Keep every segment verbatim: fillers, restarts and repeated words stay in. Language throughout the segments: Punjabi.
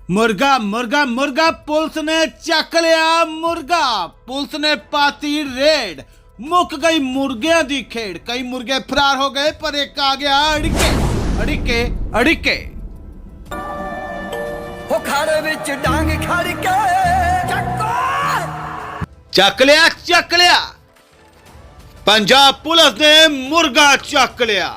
मुर्गा मुर्गा मुर्गा पुलिस ने चक लिया मुर्गा। पुलिस ने पाती रेड, मुक गई मुर्गियां दी खेड़। कई मुर्गे फरार हो गए पर एक आ गया अड़िके अड़िके अड़िके। हो खाड़े विच डांग खड़ के चक्को चक लिया चक लिया। पंजाब पुलिस ने मुर्गा चक लिया।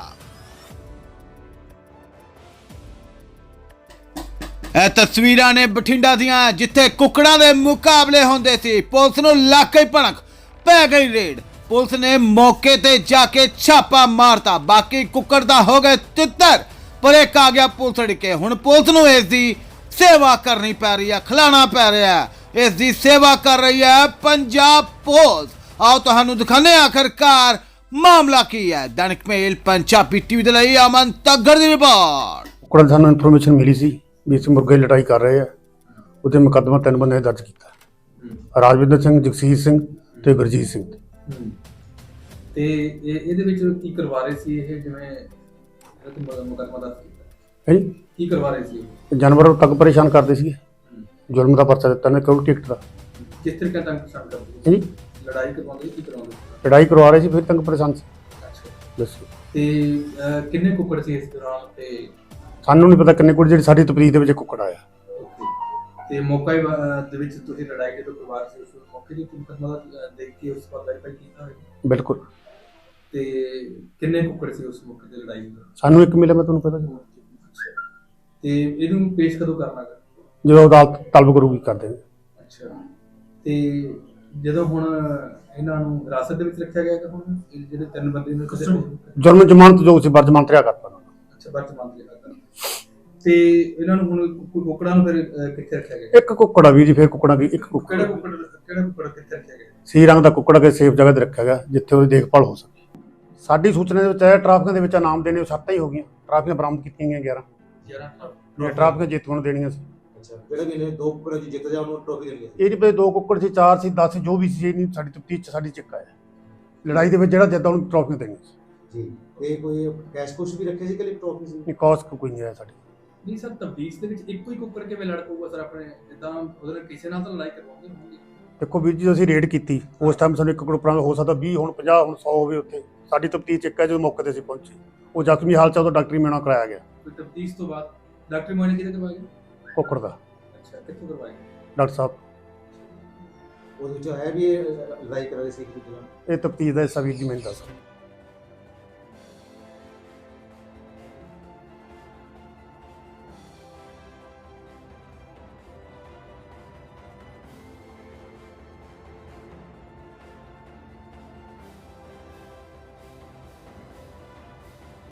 ਇਹ ਤਸਵੀਰਾਂ ਨੇ ਬਠਿੰਡਾ ਦੀਆਂ, ਜਿੱਥੇ ਕੁੱਕੜਾਂ ਦੇ ਮੁਕਾਬਲੇ ਹੁੰਦੇ ਸੀ। ਪੁਲਿਸ ਨੂੰ ਲੱਗ ਗਈ ਭਣਕ, ਪੈ ਗਈ ਰੇਡ। ਪੁਲਿਸ ਨੇ ਮੌਕੇ ਤੇ ਜਾ ਕੇ ਛਾਪਾ ਮਾਰਤਾ। ਬਾਕੀ ਕੁੱਕੜ ਦਾ ਹੋ ਗਏ ਤਿੱਤਰ, ਪਰ ਇੱਕ ਆ ਗਿਆ ਪੁਲਿਸ ਅੜਕੇ। ਹੁਣ ਪੁਲਿਸ ਨੂੰ ਇਸ ਦੀ ਸੇਵਾ ਕਰਨੀ ਪੈ ਰਹੀ ਹੈ, ਖਿਲਾਣਾ ਪੈ ਰਿਹਾ ਹੈ। ਇਸ ਦੀ ਸੇਵਾ ਕਰ ਰਹੀ ਹੈ ਪੰਜਾਬ ਪੁਲਿਸ। ਆਓ ਤੁਹਾਨੂੰ ਦਿਖਾਉਂਦੇ ਹਾਂ ਆਖਰਕਾਰ ਮਾਮਲਾ ਕੀ ਹੈ। ਦੈਨਿਕ ਮੇਲ ਪੰਜਾਬੀ ਟੀਵੀ ਦੇ ਲਈ ਅਮਨ ਤੱਗੜ ਦੀ ਰਿਪੋਰਟ। ਕੁੱਕੜਾਂ ਦੀ ਸਾਨੂੰ ਇਨਫੋਰਮੇਸ਼ਨ ਮਿਲੀ ਸੀ ਵੀ ਇਸ ਮੁਰਗੇ ਦੀ ਲੜਾਈ ਕਰ ਰਹੇ ਆ। ਉਹਦੇ ਮੁਕੱਦਮਾ ਤਿੰਨ ਬੰਦੇ ਨੇ ਦਰਜ ਕੀਤਾ, ਰਾਜਵਿੰਦਰ ਸਿੰਘ, ਜਗਸੀਰ ਸਿੰਘ ਤੇ ਗੁਰਜੀਤ ਸਿੰਘ। ਤੇ ਇਹ ਇਹਦੇ ਵਿੱਚ ਕੀ ਕਰਵਾ ਰਹੇ ਸੀ? ਇਹ ਜਿਵੇਂ ਮੁਕੱਦਮਾ ਦਰਜ ਕੀਤਾ ਹੈ ਜੀ, ਕੀ ਕਰਵਾ ਰਹੇ ਸੀ? ਜਾਨਵਰਾਂ ਨੂੰ ਤੱਕ ਪਰੇਸ਼ਾਨ ਕਰਦੇ ਸੀਗੇ। ਜ਼ੁਲਮ ਦਾ ਪਰਚਾ ਦਿੱਤਾ ਨੇ, ਕਿਉਂ ਟਿਕਟ ਦਾ। ਕਿਸ ਤਰੀਕੇ ਨਾਲ ਪਰੇਸ਼ਾਨ ਕਰਦੇ ਹੈ ਜੀ, ਲੜਾਈ ਕਰਵਾਉਂਦੇ ਕੀ ਕਰਵਾਉਂਦੇ? ਲੜਾਈ ਕਰਵਾ ਰਹੇ ਸੀ, ਫਿਰ ਤੰਗ ਪਰੇਸ਼ਾਨ ਸੀ। ਅੱਛਾ, ਦੱਸੋ ਤੇ ਅਹ, ਕਿੰਨੇ ਕੁੱਕੜ ਸੀ ਇਸ ਦੌਰਾਨ? ਤੇ ਸਾਨੂੰ ਨਹੀਂ ਪਤਾ ਕਿੰਨੇ ਕੁ, ਜਿਹੜੀ ਸਾਡੀ ਤਪਰੀਦ ਦੇ ਵਿੱਚ ਕੁੱਕੜ ਆਇਆ। ਤੇ ਮੌਕਾ ਹੀ, ਅਹ, ਦੇ ਵਿੱਚ ਤੁਸੀਂ ਲੜਾਈ ਜਦੋਂ ਕਰਵਾ ਰਹੇ ਸੀ, ਉਸ ਮੌਕੇ ਦੀ ਮੁਕੱਦਮਾ ਦਾ ਦੇਖ ਕੇ ਉਸ ਪਰ ਵੈਰੀਫਾਈ ਕੀਤਾ ਹੋਇਆ? ਬਿਲਕੁਲ। ਤੇ ਕਿੰਨੇ ਕੁੱਕੜ ਸੀ ਉਸ ਮੌਕੇ ਤੇ ਲੜਾਈ ਦਾ? ਸਾਨੂੰ ਇੱਕ ਮਿਲਿਆ, ਮੈਂ ਤੁਹਾਨੂੰ ਪਤਾ ਜੀ। ਅੱਛਾ, ਤੇ ਇਹਨੂੰ ਪੇਸ਼ ਕਦੋਂ ਕਰਨਾ ਗਾ? ਜਦੋਂ ਅਦਾਲਤ ਤਲਬ ਕਰੂਗੀ ਕਰ ਦੇਣਗੇ। ਅੱਛਾ, ਤੇ ਜਦੋਂ ਹੁਣ ਇਹਨਾਂ ਨੂੰ ਹਿਰਾਸਤ ਦੇ ਵਿੱਚ ਰੱਖਿਆ ਗਿਆ ਕਿ ਹੁਣ ਇਹ ਜਿਹੜੇ ਤਿੰਨ ਬੰਦੇ ਨੇ ਜੁਰਮ ਜ਼ਮਾਨਤ ਜੋ ਸੀ ਵਰਜਮਾਨਤ ਰਿਹਾ ਕਰਤਾ। ਅੱਛਾ, ਵਰਤਮਾਨ ਦੇ ਕਰਤਾ। ਤੇ ਇਹਨਾਂ ਨੂੰ ਹੁਣ ਕੁ- ਕੁੱਕੜਾਂ ਨੂੰ ਫਿਰ ਅਹ, ਕਿੱਥੇ ਰੱਖਿਆ ਗਿਆ? ਇੱਕ ਕੁੱਕੜ ਆ ਵੀਰ ਜੀ, ਫਿਰ ਕੁੱਕੜਾਂ ਦੀ ਇੱਕ ਕੁੱਕੜ ਕਿਹੜਾ ਕੁੱਕੜ ਕਿਹੜਾ ਕੁੱਕੜ ਕਿੱਥੇ ਰੱਖਿਆ ਗਿਆ? ਸੀ ਰੰਗ ਦਾ ਕੁੱਕੜ ਕੇ ਸੇਫ ਜਗ੍ਹਾ ਤੇ ਰੱਖਿਆ ਗਿਆ, ਜਿੱਥੇ ਉਹਦੀ ਦੇਖਭਾਲ ਹੋ ਸਕੇ। ਸਾਡੀ ਸੂਚਨਾ ਦੇ ਵਿੱਚ ਆਇਆ ਟ੍ਰਾਫਿਕਾਂ ਦੇ ਵਿੱਚ ਇਨਾਮ ਦੇਣੇ, ਉਹ ਸੱਤ ਹੀ ਹੋ ਗਈਆਂ। ਟ੍ਰਾਫਿਕਾਂ ਬਰਾਮਦ ਕੀਤੀਆਂ ਗਈਆਂ ਗਿਆਰਾਂ। ਗਿਆਰਾਂ ਟ੍ਰਾਫਿਕਾਂ ਜੇਤੂਆਂ ਨੂੰ ਦੇਣੀਆਂ ਸੀ। ਅੱਛਾ, ਕਿਹੜੇ ਕਿਹਨੇ ਦੋ ਕੁੱਕੜ ਜੀ ਜਿੱਤ ਜਾ ਉਹਨੂੰ ਟਰੋਫੀ ਦੇਣੀ ਹੈ? ਇਹ ਨਹੀਂ ਪਤਾ ਦੋ ਕੁੱਕੜ ਸੀ, ਚਾਰ ਸੀ, ਦਸ ਸੀ, ਜੋ ਵੀ ਸੀ। ਇਹ ਨਹੀਂ ਸਾਡੀ ਤਫਤੀਸ਼ ਚ ਸਾਡੀ ਚੱਕਾ ਹੈ। ਲੜਾਈ ਦੇ ਵਿੱਚ ਜਿਹੜਾ ਜਿੱਦਾਂ ਉਹਨੂੰ ਟਰੋਫੀਆਂ ਦੇਣੀਆਂ ਸੀ। ਜੀ, ਤੇ ਕੋਈ ਕੈਸ਼ ਕੁਸ਼ ਵੀ ਰੱਖੇ ਸੀ ਕਿ ਟਰੋਫੀ ਸੀ? ਇਹ ਕੌਸ ਕੋਈ ਨਹੀਂ ਆਇਆ ਸਾਡੀ। ਨਹੀਂ ਸਰ, ਤਬਦੀਸ ਦੇ ਵਿੱਚ ਇੱਕੋ ਹੀ ਕੁੱਕੜ ਕਿਵੇਂ ਲੜ ਪਊਗਾ ਸਰ? ਆਪਣੇ ਜਿੱਦਾਂ ਉਹਦੇ ਨਾਲ ਕਿਸੇ ਨਾਲ ਤਾਂ ਲੜਾਈ ਕਰਵਾਉਂਦੇ ਹੋਣਗੇ। ਦੇਖੋ ਵੀਰ ਜੀ, ਅਸੀਂ ਰੇਡ ਕੀਤੀ ਉਸ ਟਾਈਮ ਸਾਨੂੰ ਇੱਕ ਕੁੱਕੜ ਹੋ ਸਕਦਾ ਵੀਹ, ਹੁਣ ਪੰਜਾਹ, ਹੁਣ ਸੌ ਹੋਵੇ। ਉੱਥੇ ਸਾਡੀ ਤਫਤੀਸ਼ ਚੱਕਾ ਜਦੋਂ ਮੌਕੇ ਤੇ ਅਸੀਂ ਪਹੁੰਚੇ, ਉਹ ਜ਼ਖਮੀ ਹਾਲਤ ਚ ਉਹਦਾ ਡਾਕਟਰੀ ਮੁਆਇਨਾ ਕਰਾਇਆ ਗਿਆ। ਕੋਈ ਤਬਦੀਸ ਤੋਂ ਬਾਅਦ ਡਾਕਟਰੀ ਮੁਆਇਨਾ ਕਿਹਦੇ ਕਰਵਾਇਆ ਗਿਆ? ਕੁੱਕੜ ਦਾ ਅੱਛਾ, ਕਿੱਥੋਂ ਕਰਵਾਇਆ ਗਿਆ? ਡਾਕਟਰ ਸਾਹਿਬ। ਉਹਦੇ ਵਿੱਚ ਹੈ ਵੀ ਇਹ ਲੜਾਈ ਕਰ ਰਹੇ ਸੀ ਇੱਕ ਦੂਜੇ ਨਾਲ? ਇਹ ਤਫਤੀਸ਼ ਦਾ ਹਿੱਸਾ ਵੀਰ ਜੀ ਮੈਨੂੰ ਦੱਸ।